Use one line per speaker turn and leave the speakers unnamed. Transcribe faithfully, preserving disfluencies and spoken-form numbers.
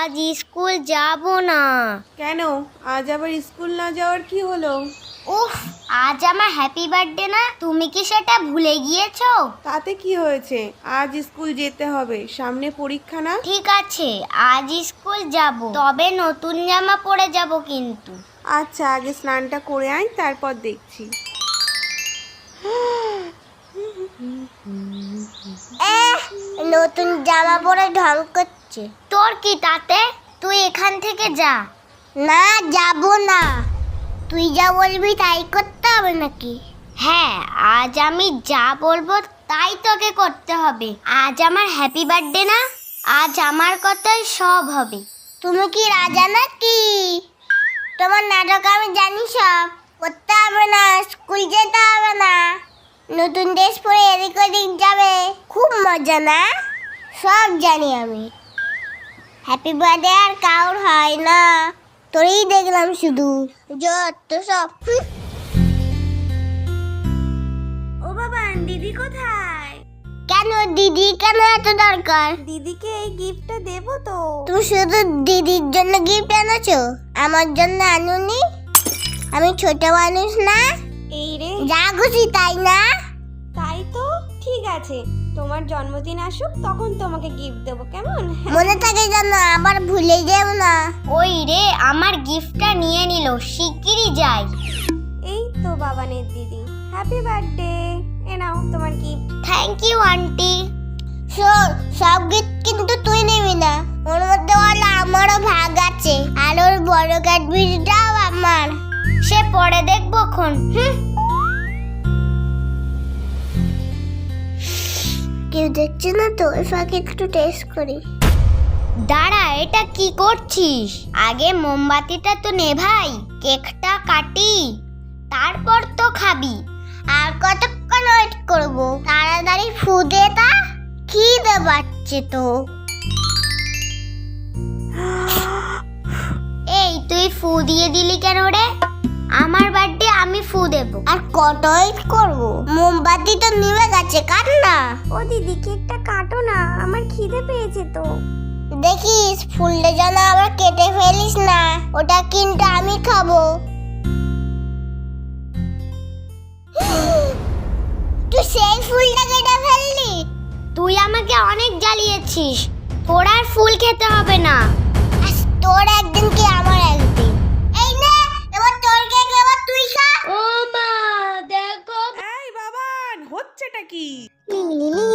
আজ স্কুল যাব না।
কেন? আজ আবার স্কুল না যাওয়ার কি হলো?
উফ, আজ আমার হ্যাপি বার্থডে না, তুমি কি সেটা ভুলে গিয়েছো?
তাতে কি হয়েছে? আজ স্কুল যেতে হবে, সামনে পরীক্ষা না?
ঠিক আছে, আজ স্কুল যাব, তবে নতুন জামা পরে যাব কিন্তু।
আচ্ছা, আগে স্নানটা করে আয়, তারপর দেখছি।
নতুন জামা পরে ঢং করছে। তোর কি তাতে? তুই এখান থেকে যা। না, যাব না। তুই যা বলবি তাই করতে হবে নাকি? হ্যাঁ, আজ আমি যা বলবো তাই তোকে করতে হবে। আজ আমার হ্যাপি বার্থডে না, আজ আমার কথাই সব হবে। তুমি কি রাজা নাকি? তোমার নাটক আমি জানি সব। করতে হবে না, স্কুল যেতে হবে না, নতুন ড্রেস পরে এদিক ওদিক যাবে, খুব মজা না? সব জানি আমি। হ্যাপি বার্থডে আর কাউর হয় না, তোরই দেখলাম শুধু যত সব।
ও বাবা, দিদি কোথায়?
কেন দিদি কেন এত দরকার?
দিদিকে এই গিফটটা দেবো তো।
তুমি শুধু দিদির জন্য গিফট এনেছো, আমার জন্য আনুনি? আমি ছোট মানুষ না?
এই রে,
যা খুশি তাই না?
তাই তো। ঠিক আছে, তোমার জন্মদিন আসুক, তখন তোমাকে গিফট দেবো, কেমন?
মনে থাকে যেন, আবার ভুলে যেও না। ওই রে, আমার গিফটটা নিয়ে নিল, শিগগিরই যাই।
এই তো বাবানের দিদি, হ্যাপি বার্থডে। এ নাও তোমার গিফট।
Thank you aunty. শোন, সব গিফট কিন্তু তুই নিবি না, ওর মধ্যে বলে আমারও ভাগ আছে, আর ওর বড় ক্যাডবেরিটাও আমার। সে পরে দেখবো খন। কেউ দেখছে না তো, ওই ফাঁকে একটু টেস্ট করি। দাঁড়া, এটা কি করছিস? আগে মোমবাতিটা তো নেভাই, কেকটা কাটি, তারপর তো খাবি। আর কতক্ষণ ওয়েট করবো? তাড়াতাড়ি ফু দে তা, খিদে পাচ্ছে তো। এই তুই ফু দিয়ে দিলি কেন রে? আমার বার্থডে, আমি ফু দেব। আর কত ওয়েট করবো? মোমবাতি তো নিভে গেছে, কাট না।
ও দিদি, কেকটা কাটো না, আমার খিদে পেয়েছে তো।
দেখিস ফুলটা যেন আবার কেটে ফেলিস না, ওটা কিন্তু আমি খাবো। তুই সেই ফুলটা কেটে ফেললি? তুই আমাকে অনেক জ্বালিয়েছিস, তোর আর ফুল খেতে হবে না। তোর একদিন কি আমার একদিন। এই নে, এবার তোর কেক, এবার তুই খা। ও মা, দেখো।
এই বাবান, হচ্ছেটা কি?
লিলি